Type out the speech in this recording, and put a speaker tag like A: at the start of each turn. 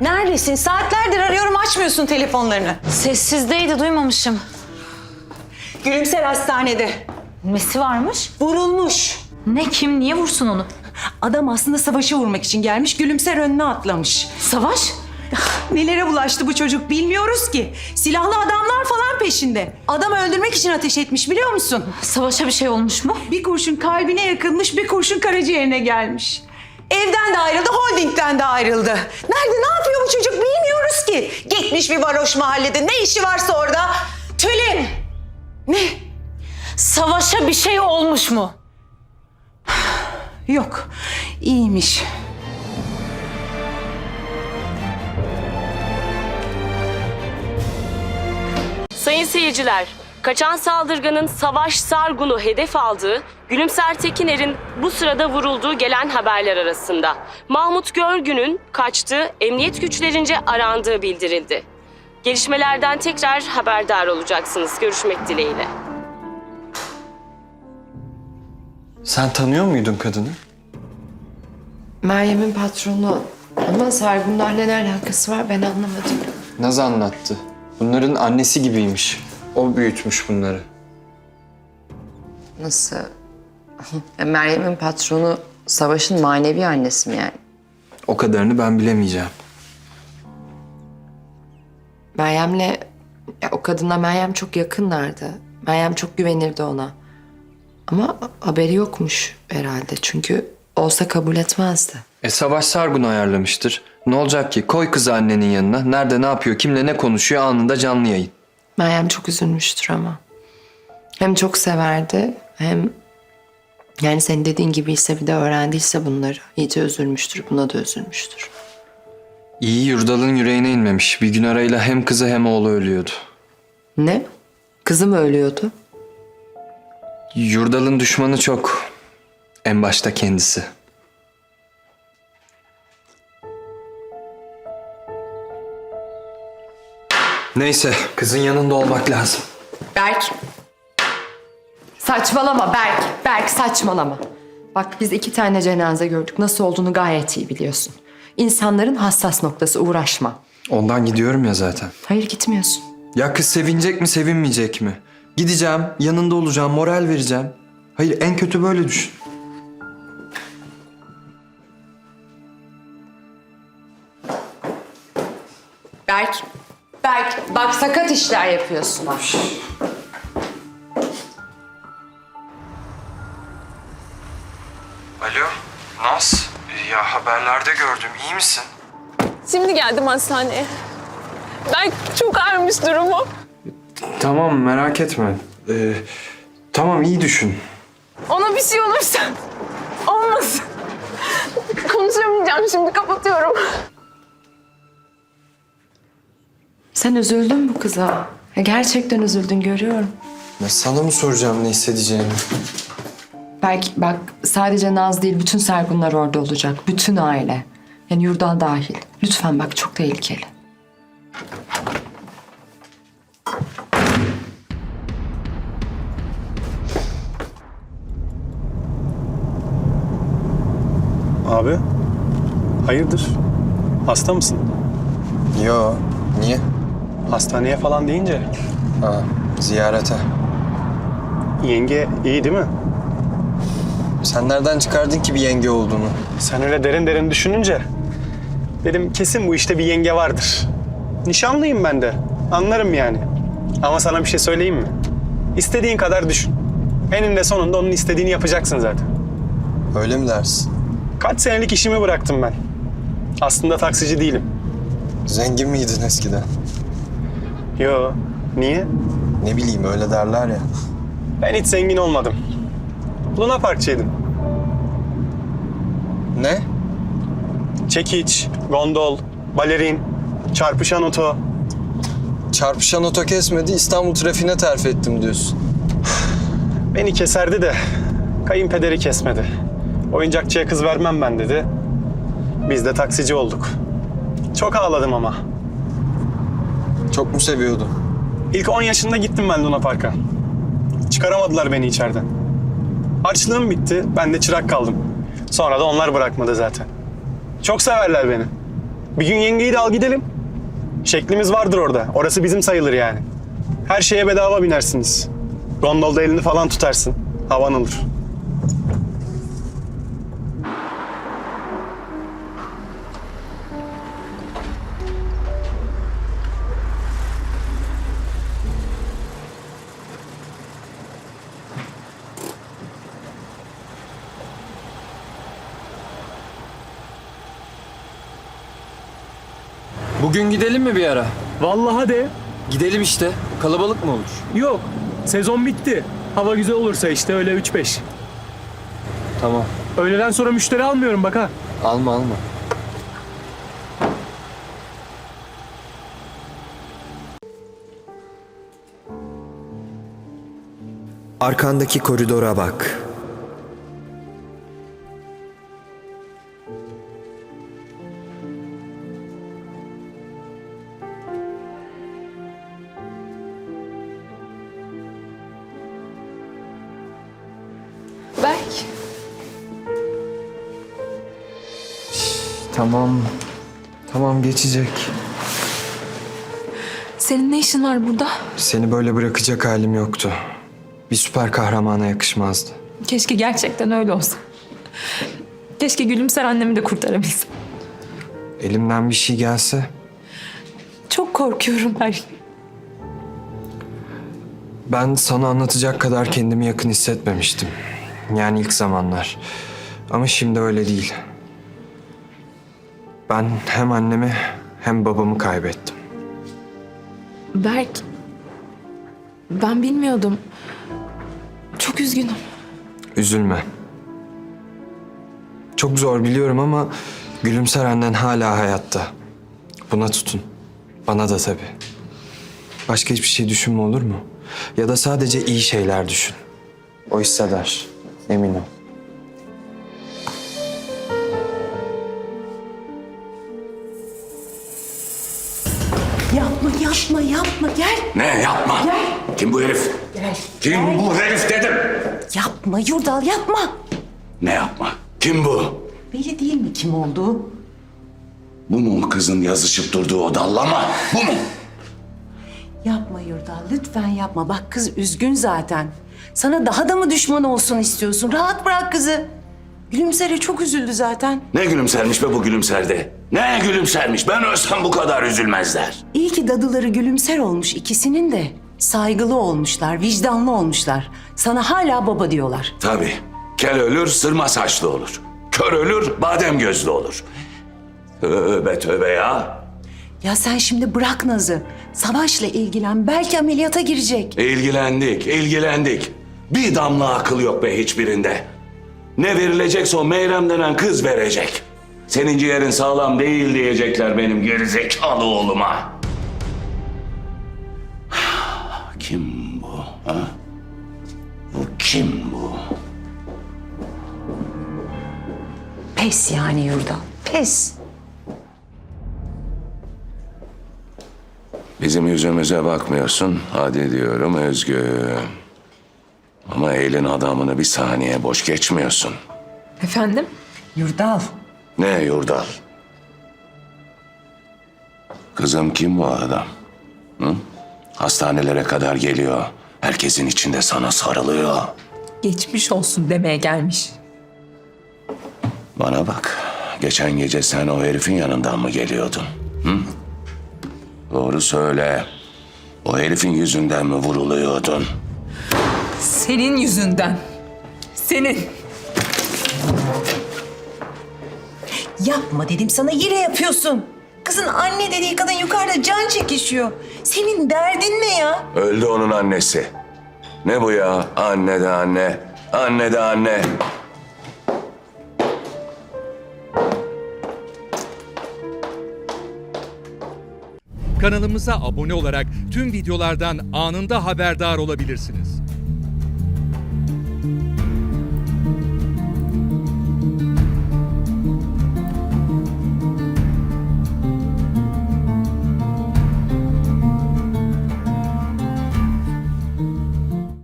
A: Neredesin? Saatlerdir arıyorum, açmıyorsun telefonlarını.
B: Sessizdeydi, duymamışım.
A: Gülümser hastanede.
B: Nesi varmış?
A: Vurulmuş.
B: Ne, kim, niye vursun onu?
A: Adam aslında Savaş'ı vurmak için gelmiş, Gülümser önüne atlamış.
B: Savaş?
A: Nelere bulaştı bu çocuk bilmiyoruz ki. Silahlı adamlar falan peşinde. Adamı öldürmek için ateş etmiş, biliyor musun?
B: Savaş'a bir şey olmuş mu?
A: Bir kurşun kalbine yakılmış, bir kurşun karaciğerine gelmiş. Evden de ayrıldı, holdingden de ayrıldı. Nerede, ne yapıyor bu çocuk bilmiyoruz ki. Gitmiş bir varoş mahallede, ne işi varsa orada. Tülin! Ne?
B: Savaş'a bir şey olmuş mu?
A: Yok, iyiymiş.
C: Sayın seyirciler, kaçan saldırganın Savaş Sargun'u hedef aldığı, Gülümser Tekiner'in bu sırada vurulduğu gelen haberler arasında. Mahmut Görgün'ün kaçtığı, emniyet güçlerince arandığı bildirildi. Gelişmelerden tekrar haberdar olacaksınız. Görüşmek dileğiyle.
D: Sen tanıyor muydun kadını?
E: Meryem'in patronu ama Sargunlarla ne alakası var ben anlamadım.
D: Naz anlattı. Bunların annesi gibiymiş. O büyütmüş bunları.
E: Nasıl? Meryem'in patronu Savaş'ın manevi annesi mi yani?
D: O kadarını ben bilemeyeceğim.
E: Meryem'le, o kadınla Meryem çok yakınlardı. Meryem çok güvenirdi ona. Ama haberi yokmuş herhalde çünkü olsa kabul etmezdi.
D: Savaş Sargun ayarlamıştır. Ne olacak ki? Koy kızı annenin yanına. Nerede ne yapıyor, kimle ne konuşuyor anında canlı yayın.
E: Meryem çok üzülmüştür ama. Hem çok severdi hem yani senin dediğin gibiyse bir de öğrendiyse bunları iyice üzülmüştür. Buna da üzülmüştür.
D: İyi Yurdal'ın yüreğine inmemiş. Bir gün arayla hem kızı hem oğlu ölüyordu.
E: Ne? Kızı mı ölüyordu?
D: Yurdal'ın düşmanı çok. En başta kendisi. Neyse, kızın yanında olmak lazım.
E: Berk. Saçmalama Berk. Berk saçmalama. Bak biz 2 tane cenaze gördük. Nasıl olduğunu gayet iyi biliyorsun. İnsanların hassas noktası, uğraşma.
D: Ondan gidiyorum ya zaten.
E: Hayır gitmiyorsun.
D: Ya kız sevinecek mi, sevinmeyecek mi? Gideceğim, yanında olacağım, moral vereceğim. Hayır, en kötü böyle düşün.
E: Berk. Berk bak sakat işler yapıyorsun.
D: Alo, Naz. Ya haberlerde gördüm, iyi misin?
F: Şimdi geldim hastaneye. Ben çok ağırmış durumu.
D: Tamam, merak etme. Tamam, iyi düşün.
F: Ona bir şey olursa olmasın. Konuşamayacağım şimdi, kapatıyorum.
E: Sen üzüldün bu kıza. Ya gerçekten üzüldün görüyorum.
D: Ya sana mı soracağım ne hissedeceğini?
E: Berk bak sadece Naz değil bütün Sergunlar orada olacak. Bütün aile. Yani Yurdal dahil. Lütfen bak çok tehlikeli.
G: Abi, hayırdır? Hasta mısın?
D: Yo, niye?
G: Hastaneye falan deyince.
D: Ha, ziyarete.
G: Yenge iyi değil mi?
D: Sen nereden çıkardın ki bir yenge olduğunu?
G: Sen öyle derin derin düşününce dedim kesin bu işte bir yenge vardır. Nişanlıyım ben de. Anlarım yani. Ama sana bir şey söyleyeyim mi? İstediğin kadar düşün. Eninde sonunda onun istediğini yapacaksın zaten.
D: Öyle mi dersin?
G: Kaç senelik işimi bıraktım ben. Aslında taksici değilim.
D: Zengin miydin eskiden?
G: Yo, niye?
D: Ne bileyim öyle derler ya.
G: Ben hiç zengin olmadım. Luna Parkçıydım.
D: Ne?
G: Çekiç, gondol, balerin, çarpışan oto.
D: Çarpışan oto kesmedi, İstanbul trafiğine terfi ettim diyorsun.
G: Beni keserdi de kayınpederi kesmedi. Oyuncakçıya kız vermem ben dedi. Biz de taksici olduk. Çok ağladım ama.
D: Çok mu seviyordun?
G: İlk 10 yaşında gittim ben Luna Park'a. Çıkaramadılar beni içeriden. Harçlığım bitti, ben de çırak kaldım. Sonra da onlar bırakmadı zaten. Çok severler beni. Bir gün yengeyi de al gidelim. Şeklimiz vardır orada. Orası bizim sayılır yani. Her şeye bedava binersiniz. Gondolda elini falan tutarsın. Havan olur.
D: Bugün gidelim mi bir ara?
G: Vallahi de.
D: Gidelim işte. Kalabalık mı olur?
G: Yok. Sezon bitti. Hava güzel olursa işte öyle 3-5.
D: Tamam.
G: Öğleden sonra müşteri almıyorum bak ha.
D: Alma alma.
H: Arkandaki koridora bak.
E: Berk.
D: Tamam. Tamam geçecek.
E: Senin ne işin var burada?
D: Seni böyle bırakacak halim yoktu. Bir süper kahramana yakışmazdı.
F: Keşke gerçekten öyle olsa. Keşke Gülümser annemi de kurtarabilsem.
D: Elimden bir şey gelse
F: Çok korkuyorum Berk.
D: ben sana anlatacak kadar kendimi yakın hissetmemiştim. Yani ilk zamanlar. Ama şimdi öyle değil. Ben hem annemi hem babamı kaybettim.
E: Berk. Ben bilmiyordum. Çok üzgünüm.
D: Üzülme. Çok zor biliyorum ama Gülümser annen hala hayatta. Buna tutun. Bana da tabii. Başka hiçbir şey düşünme olur mu? Ya da sadece iyi şeyler düşün. O hisseder. Emin ol.
A: Yapma gel.
I: Ne yapma? Kim bu herif? Kim bu herif dedim.
A: Yapma Yurdal yapma.
I: Ne yapma? Kim bu?
A: Belli değil mi kim olduğu?
I: Bu mu kızın yazışıp durduğu o dallama? Bu mu?
A: Yapma Yurdal lütfen yapma. Bak kız üzgün zaten. Sana daha da mı düşman olsun istiyorsun? Rahat bırak kızı. Gülümser'e çok üzüldü zaten.
I: Ne gülümsermiş be bu gülümserde? Ne gülümsermiş? Ben ölsem bu kadar üzülmezler.
A: İyi ki dadıları Gülümser olmuş ikisinin de. Saygılı olmuşlar, vicdanlı olmuşlar. Sana hala baba diyorlar.
I: Tabii. Kel ölür, sırma saçlı olur. Kör ölür, badem gözlü olur. Tövbe tövbe ya.
A: Ya sen şimdi bırak Naz'ı. Savaş'la ilgilen. Belki ameliyata girecek.
I: İlgilendik. Bir damla akıl yok be hiçbirinde. Ne verilecekse o Meyrem denen kız verecek. Senin ciğerin sağlam değil diyecekler benim gerizekalı oğluma. Kim bu? Ha? Bu kim bu?
A: Pes yani Yurdal. Pes.
I: Bizim yüzümüze bakmıyorsun. Hadi diyorum Özgü. Ama elin adamını bir saniye boş geçmiyorsun.
E: Efendim?
A: Yurdal.
I: Ne Yurdal? Kızım kim bu adam? Hı? Hastanelere kadar geliyor. Herkesin içinde sana sarılıyor.
F: Geçmiş olsun demeye gelmiş.
I: Bana bak. Geçen gece sen o herifin yanından mı geliyordun? Hı? Doğru söyle. O herifin yüzünden mi vuruluyordun?
F: Senin yüzünden. Senin.
A: Yapma dedim sana yine yapıyorsun. Kızın anne dediği kadın yukarıda can çekişiyor. Senin derdin ne ya?
I: Öldü onun annesi. Ne bu ya? Anne de anne. Anne de anne.
J: Kanalımıza abone olarak tüm videolardan anında haberdar olabilirsiniz.